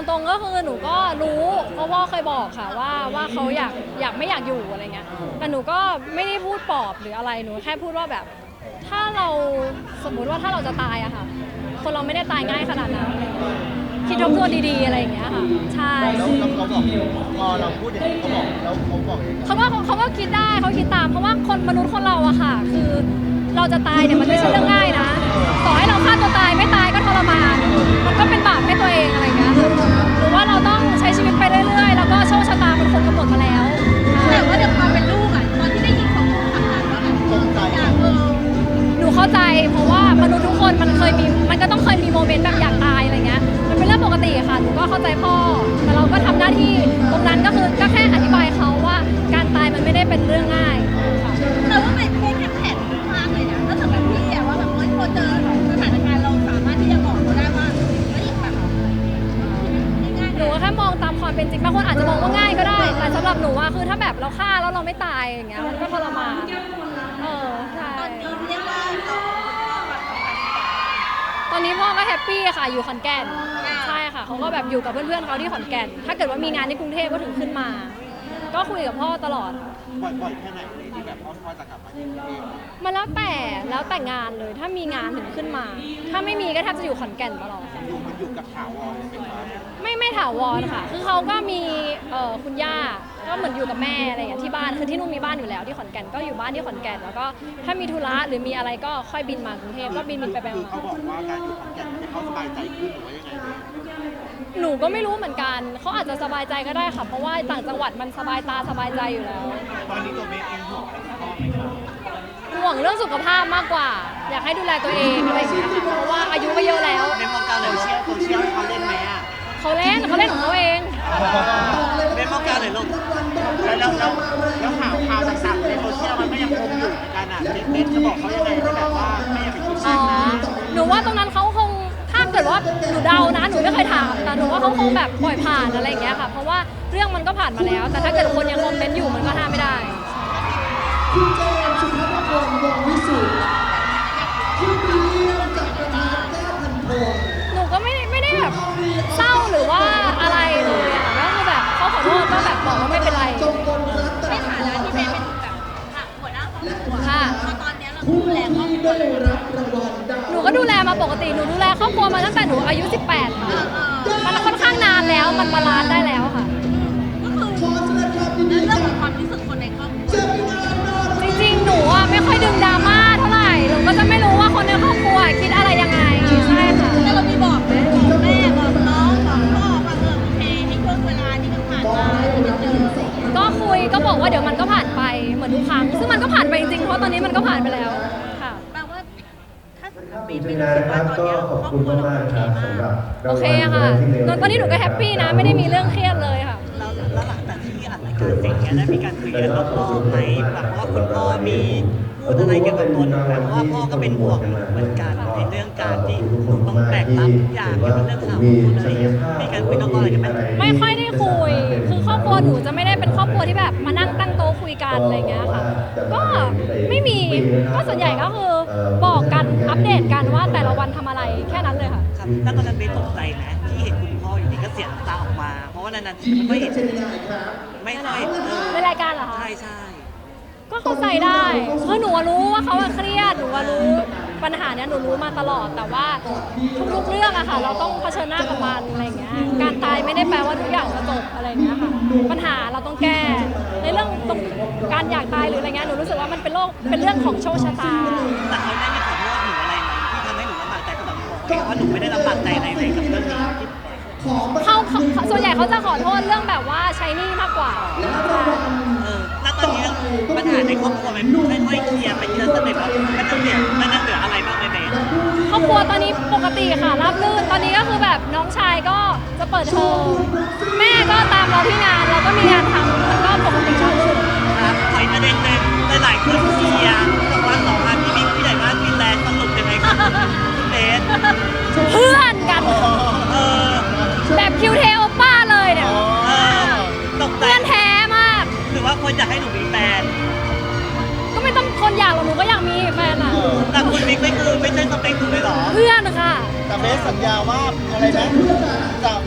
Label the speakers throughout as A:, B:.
A: รงๆก็คือหนูก็รู้เพราะพ่อเคยบอกค่ะว่าเขาอยากไม่อยากอยู่อะไรเงี้ยแต่หนูก็ไม่ได้พูดปลอบหรืออะไรหนูแค่พูดว่าแบบถ้าเราสมมุติว่าถ้าเราจะตายอะค่ะคนเราไม่ได้ตายง่ายขนาดนั้นคิดทบทวนดีๆอะไรอย่างเงี้ยค่ะใช่
B: แล้วเขาบอกพอเราพูดอย่างนี้เขาบอกแล้วเขาบอกเอง
A: เขาก็คิดได้เขาคิดตามเพราะว่าคนมนุษย์คนเราอะค่ะคือเราจะตายเนี่ยมันไม่ใช่เรื่องง่ายนะต่อให้เราฆ่าตัวตายไม่ตายก็ทรมานมันก็เป็นบาปให้ตัวเองอะไรอย่างเงี้ยหรือว่าเราต้องใช้ชีวิตไปเรื่อยๆแล้วก็โชคชะตาเป็นคนกำหนดมาแล้ว
C: แต่ว่าเดี๋ยวความเป็นลูกอ่ะตอนที่ได้ยินของทางนั้นว่าแบบ
B: ตกใจ
A: หนูเข้าใจเพราะว่ามนุษย์ทุกคนมันก็ต้องเคยมีโมเมนต์แบบอยากตายอะไรเงี้ยมันเป็นเรื่องปกติค่ะหนูก็เข้าใจพ่อแต่เราก็ทำหน้าที่ตรงนั้นก็คือก็แค่อธิบายเขาว่าการตายมันไม่ได้เป็นเรื่องง่ายค่ะ
C: แต่ว่าเป็นแค่แผนมากเลยนะถ้าสำหรับพี่อะว่าแบบพอเจอสถานการณ์เราสามารถที่จะบอกเขาได้ว่าเฮ้ยแบบง่าย
A: หนูแค่มองตามความเป็นจริงบางคนอาจจะมองว่าง่ายก็ได้แต่สำหรับหนูว่าคือถ้าแบบเราฆ่าแล้วเราไม่ตายอย่างเงี้ยมันก็ทรมานใช่
C: ตอนนี้เรียกว่าเราแบบ
A: ตอนนี้พ่อก็แฮปปี้ค่ะอยู่ขอนแก่นใช่ค่ะเขาก็แบบอยู่กับเพื่อนๆเขาที่ขอนแก่นถ้าเกิดว่ามีงานที่กรุงเทพก็ถึงขึ้นมาก็คุยกับพ่อตลอด
B: บ่อยแค่ไหนเลยที่แบบพ่อจะกลับมาที่กรุงเทพ
A: มันแล้วแต่งานเลยถ้ามีงานถึงขึ้นมา ถ้าไม่มีก็แทบจะอยู่ขอนแก่นตลอด
B: อยู่กับถาวรเลยไหมคะ
A: ไม่ถาวรค่ะคือเขาก็มีคุณย่าก็เหมือนอยู่กับแม่อะไรอย่างที่บ้านคือที่นู่นมีบ้านอยู่แล้วที่ขอนแก่นก็อยู่บ้านที่ขอนแก่นแล้วก็ถ้ามีธุระหรือมีอะไรก็ค่อยบินมากรุงเทพก็บินไปมา
B: เขาบอกว่าการอยู่ขอนแก่นให้เขาสบายใจขึ้นหรือว่ายังไง
A: หนูก็ไม่รู้เหมือนกันเขาอาจจะสบายใจก็ได้ค่ะเพราะว่าต่างจังหวัดมันสบายตาสบายใจอยู่แล้ว
B: ตอนนี้ตัวเมย์เองห่วงอะไรพ่อไหมครับ
A: ห่วงเรื่องสุขภาพมากกว่าอยากให้ดูแลตัวเองอะไรอย่างเงี้ยค่ะเพราะว่าอายุก็เยอะแล้ว
B: ในวงการโซเชียลเขาเล่นไหมอ่ะ
A: เขาเล่นของเขาเอง
B: ในวงการเลยลูกแล้วข่าวต่างๆในโซเชียลมันก็ยังคงอยู่กันอ่ะเมย์จะบอกเขายังไงให้แบบว่าไม่อยากไปคิดมากนะ
A: หนูว่าตรงนั้นเขาคงถ้าเกิดว่าหนูเดานะหนูไม่เคยถามแต่หนูว่าเขาคงแบบปล่อยผ่านอะไรอย่างเงี้ยค่ะเพราะว่าเรื่องมันก็ผ่านมาแล้วแต่ถ้าเกิดคนยังคอมเมนต์อยู่มันก็ห้ามไม่ได้
D: คุณเจมส์สุภาพรวงวิสุทธิ์ที่ปีนี้จากประธานแก้พันโพ
A: หนูก็ไม่ได้แบบเศร้าหรือว่าอะไรเลยอะก็คือแบบเขาขอโทษก็แบบบอกว่าไม่เป็นไร
C: ในฐานะที่เป็นแบบหัวหน้าครอบครัวค่ะตอนนี้เราดูแลครอบครัว
A: หนูก็ดูแลมาปกติหนูดูแลครอบครัวมาตั้งแต่หนูอายุ18ค่ะมันค่อนข้างนานแล้วมันบาลานซ์ได้แล้วค่ะ
C: ก็คือเรื่องของความรู้สึกคนในครอบครัว
A: จริงๆหนูอ่ะไม่ค่อยดึงดราม่าเท่าไหร่หนูก็จะไม่รู้ว่าคนในครอบครัวคิดอะไรยังไงใช่ค่ะ
C: แต่เรามีบอกไหมบอกแม่บอกน้องบอกพ่อว่าโอเคในช่วงเวลาที่มันผ่านมาจะเจอ
A: ก็คุยก็บอกว่าเดี๋ยวมันก็ผ่านไปเหมือนทุกครั้งซึ่งมันก็ผ่านไปจริงๆเพราะตอนนี้มันก็ผ่านไปแล้วค่ะ
C: แปลว่าถ้าปี
D: นี้นะครับก็ขอบคุณมากๆครับสำหรับ
A: โอเคค่ะตอนนี้หนูก็แฮปปี้นะไม่ได้มีเรื่องเครียดเลยค่ะ
B: แล้วหลังจากที่อัดรายการเสร็จเนี่ยได้มีการคุยกันรอบๆไหมแบบว่าคุณพ่อมีพูดอะไรเกี่ยวกับตัวหนูเพราะว่าพ่อก็เป็นห่วงเหมือนกันในเรื่องการที่ต้องแบกรับทุกอย่างเกี่ยวกับเรื่องข่าวอะไรมีการคุยนอกรอบอะไรกันไหม
A: ไม่ค่อยได้คุยคือครอบครัวหนูจะไม่ได้เป็นครอบครัวที่แบบมานั่งตั้งโต๊ะคุยกันอะไรเงี้ยค่ะก็ไม่มีก็ส่วนใหญ่ก็คือบอกกันอัปเดตกันว่าแต่ละวันทำอะไรแค่นั้นเลยค่ะ
B: ครับแล้วตอนนั้นเบสตกใจไหมที่เห็นคุณพ่ออยู่ดีก็เสียน้ำตาออกมาเพราะว่านานๆทีไม่ค่อยเห็นไม่ค่อย
A: ในรายการเหรอคะ
B: ใช่
A: ก็เข้าใจได้คือหนูรู้ว่าเขาเครียดหนูรู้ปัญหาเนี้ยหนูรู้มาตลอดแต่ว่าทุกๆเรื่องอะค่ะเราต้องเผชิญหน้ากับมันอะไรเงี้ยการตายไม่ได้แปลว่าทุกอย่างจะจบอะไรเงี้ยค่ะปัญหาเราต้องแก้ในเรื่องตรงการอยากตายหรืออะไรเงี้ยหนูรู้สึกว่ามันเป็นเรื่องของโชคชะตา
B: แต่เขาได้มีขอโทษหนูอะไรไหมที่ทำให้หนูลำบากใจก็แบบบอกว่าหนูไม่ได้ลำบากใจอะไรเลยกับเรื่องนี้
A: เขาส่วนใหญ่เขาจะขอโทษเรื่องแบบว่าใช้หนี้มากกว่า
B: ณตอนนี้ปัญหาในครอบครัวมันค่อยๆเคลียร์ไปทีละสเต็ปแล้วมันจะเหลืออะไรบ้างไหมเบส
A: ครอบครัวตอนนี้ปกติค่ะราบรื่นตอนนี้ก็คือแบบน้องชายก็จะเปิดเทอมแม่ก็ตามเราที่งานเราก็มีงานทำมันก็ปกติ
B: ครับขออีกประเด็นหนึ่งหลายคนเชียร์กับวันสองงานพี่บิ๊กพี่ใหญ่มากพี่แลนด์สรุปยังไงครับคุณเบส
A: เพื่อนกันแบบคิวเทโอป้าเลยเนี่ยเพื่อนแท้มาก
B: หรือว่าคนอยากให้หนูมีแฟน
A: ก็ไม่ต้องคนอยากหรอกหนูก็อยากมีแฟนอ่ะ
B: แต่คุณบิ๊กไม่ใช่สเปคหนูเลยหรอ
A: เพื่อนค่ะ
B: แต่เบสสัญญาว่าอะไรนะจะไม่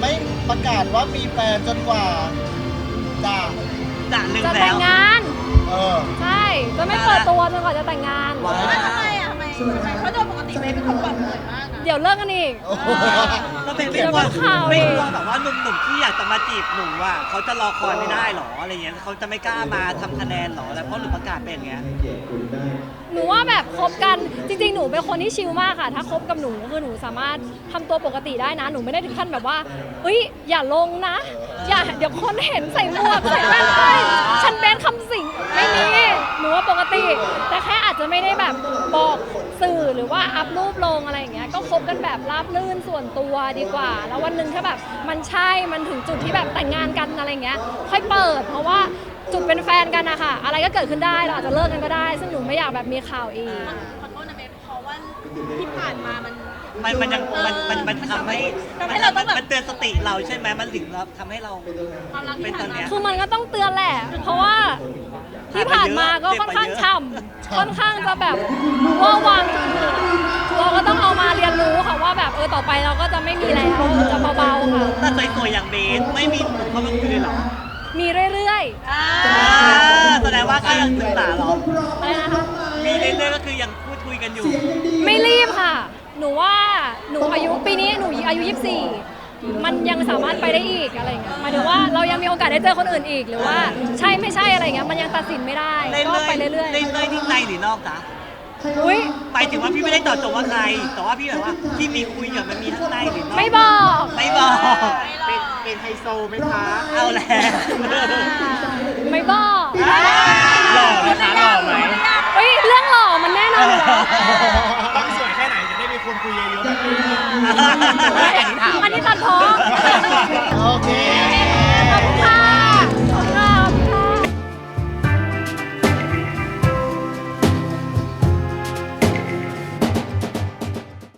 D: ประกาศว่ามีแฟนจนกว่าจะ
B: จากหนึ่ง
A: จะ
B: แล้
A: แต่ง
B: ว
A: งาน
D: เออ
A: ใช่จะไม่เปิดตัวจนกว่าจะแต่งงาน
B: ว้าว
C: แล้วทำไมอ่ะทำไมเพราะโดยปกติเบสเป็นคนเปิดเผยมากนะ
A: เดี๋ยวเลิกกันอีก
D: โอ้โห
B: แล้วเป็น
A: เดี๋ยว
B: ว่า
A: ข่าว
B: ไม่
A: อีก
B: กลัวแบบว่าหนุ่มๆที่อยากจะมาจีบหนูอ่ะเขาจะรอคอยไม่ได้หรออะไรเงี้ยเขาจะไม่กล้ามาทำคะแนนหรอแล้วเพราะหนูประกาศเป็นอย่างเงี้ย
A: หนูว่าแบบคบกันจริงๆ หนูเป็นคนที่ชิลมากค่ะ ถ้าคบกับหนูคือหนูสามารถทำตัวปกติได้นะ หนูไม่ได้ถึงขั้นแบบว่าเฮ้ยอย่าลงนะ อย่าเดี๋ยวคนเห็นใส่หมวกใส่แว่นไปฉันแบนคำสิงไม่มีหนูว่าปกติ แต่แค่อาจจะไม่ได้แบบบอกสื่อหรือว่าอัพรูปลงอะไรอย่างเงี้ยก็คบกันแบบราบรื่นส่วนตัวดีกว่า แล้ววันหนึ่งถ้าแบบมันใช่มันถึงจุดที่แบบแต่งงานกันอะไรเงี้ยค่อยเปิด เพราะว่าจุดเป็นแฟนกันนะคะอะไรก็เกิดขึ้นได้เราอาจจะเลิกกันก็ได้ ซึ่งหนูไม่อยากแบบมีข่าวอีก
C: ขอโทษนะเบสเพราะว่าที่ผ่านมา
B: มันยังมันทำให้
C: ทำให้เราต้องแบบ
B: มันเตือนสติเราใช่ไหมมันถึงเราทำให้เรา
C: ความรัก
B: เป็
C: ที่
B: นต
C: ผ่า
B: อน น
C: มา
B: เนี้ย
A: คือมันก็ต้องเตือนแหละ เพราะว่าที่ผ่านมาก็ค่อนข้างช่ำค่อนข้างจะแบบว่าวังเราก็ต้องเอามาเรียนรู้ค่ะว่าแบบต่อไปเราก็จะไม่มีแล้วจะเบาๆค่ะ
B: ถ้าสวยๆอย่างเบสไม่มีหนุ่มเข้ามาคุยเลยเหรอ
A: มีเรื่อย
B: แสดงว่าก็ยังศึกษาเหรอ
A: ๆอะไรนะคะ
B: มีเรื่อยๆก็คือยังพูดคุยกันอยู่
A: ไม่รีบค่ะ หนูว่าหนูอายุปีนี้หนูอายุ 24 มันยังสามารถไปได้อีกอะไรเงี้ยหมายถึงว่าเรายังมีโอกาสได้เจอคนอื่นอีกหรือว่าใช่ไม่ใช่อะไรเงี้ยมันยังตัดสินไม่ได้ก็ไปเรื่อย
B: เรื่อยๆที่ในหรือนอกจ๊ะ
A: ๆอุ้ย
B: หมายถึงว่าพี่ไม่ได้เจาะจงว่าใคร แต่ว่าพี่แบบว่าที่มีคุยกับมันมีทั้งในหรือนอก
A: ไม่บอก
B: ไม่บอก
D: เป็นไฮโซไหมคะ
B: เอาแล้ว
A: ไม่บอก
E: หล่อไหมคะหล่อไหม
A: เฮ้ยเรื่องหล่อมันแน่นอนอยู่แล้ว
E: ต้องสวยแค่ไหนจะได้มีคนคุยเยอะๆแบบนี้
A: อันนี้ตัดพ้อ
D: โอเค